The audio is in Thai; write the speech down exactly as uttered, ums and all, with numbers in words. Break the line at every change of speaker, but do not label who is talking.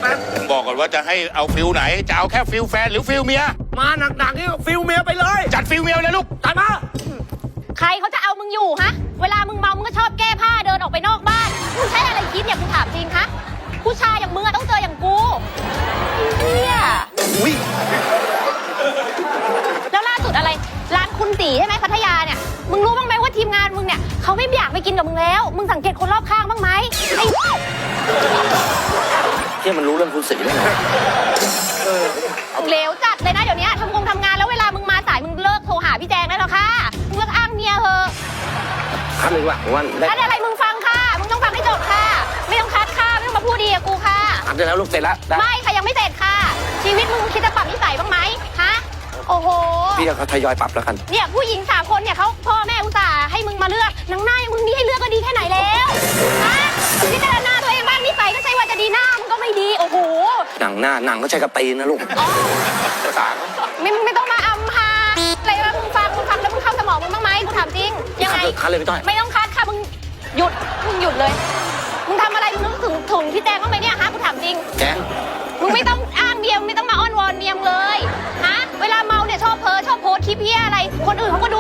บอกก่อนว่าจะให้เอาฟิลไหนจะเอาแค่ฟิลแฟนหรือฟิลเมีย
มาหนักๆนี่ฟิลเมียไปเลย
จัดฟิลเมียเลยลูก
จัดมา
ใครเขาจะเอามึงอยู่ฮะเวลามึงเมามึงก็ชอบแก้ผ้าเดินออกไปนอกบ้านมึงใช้อะไรคิดเนี่ยกูถามจริงคะผู้ชายอย่างมึงอะต้องเจออย่างกูเนี่ยอุ้ยแล้วล่าสุดอะไรร้านคุณตีใช่ไหมพัทยาเนี่ยมึงรู้บ้างไหมว่าทีมงานมึงเนี่ยเขาไม่อยากไปกินกับมึงแล้วมึงสังเกตคนรอบข้างบ้างไหมไอ้
ที่มันรู้เรื่องคุณสีได้ไง
เหลวจัดเลยนะเดี๋ยวนี้ทำงงทำงานแล้วเวลามึงมาสายมึงเลิกโทรหาพี่แจงได้แล้วค่ะมึงเลิกอ้างเมียเถอะ
คัดเลยว่ะวัน
คัดอะไรมึงฟังค่ะมึงต้องฟังให้จบค่ะไม่ต้องคัดค่ะไม่ต้องมาพูดดีกับกูค่ะ
คัดได้แล้วลูกเสร็จแล้ว
ไม่ค่ะยังไม่เสร็จค่ะชีวิตมึงคิดจะปรับนิสัยบ้างไหมฮะโอ้โห
พี่เขาทยอยปรับแล้วกัน
เนี่ยผู้หญิงสามคนเนี่ยเขาพ่อแม่อุตส่าห์ให้มึงมาเลือกหนังหน้าอย่างมึงนี่ให้เลือกก็ดีแค่ไหนแล้วฮะพิจารณาตัวเองบ้างนิสัยก็ใช่ว่าจะดีหน้ามึงก็ไม่ดีโอ้โห
หนังหน้าหนังก็ใช้กระตีนนะลูกภาษา
ไม่ไม่ต้องมาอำพาอะไรวะมึงฟังมึงฟังแล้วมึงเข้าสมองมึงบ้างไหมกูถามจริงยังไง
คัดเลยพี่ต้อย
ไม่ต้องคัดค่ะมึงหยุดมึงหยุดเลยมึงทำอะไรมึงนึกถึงถุงพี่แจงบ้างไหมเนี่ยฮะกูถามจริง
แจง
มึงไม่ต้องอ้างเมียไม่ต้องมาอ้อนวอนเมียมเลยฮะเวลาเมาเนี่ยชอบเพ้อชอบโพสคลิปเพี้ยอะไรคนอื่นเขาก็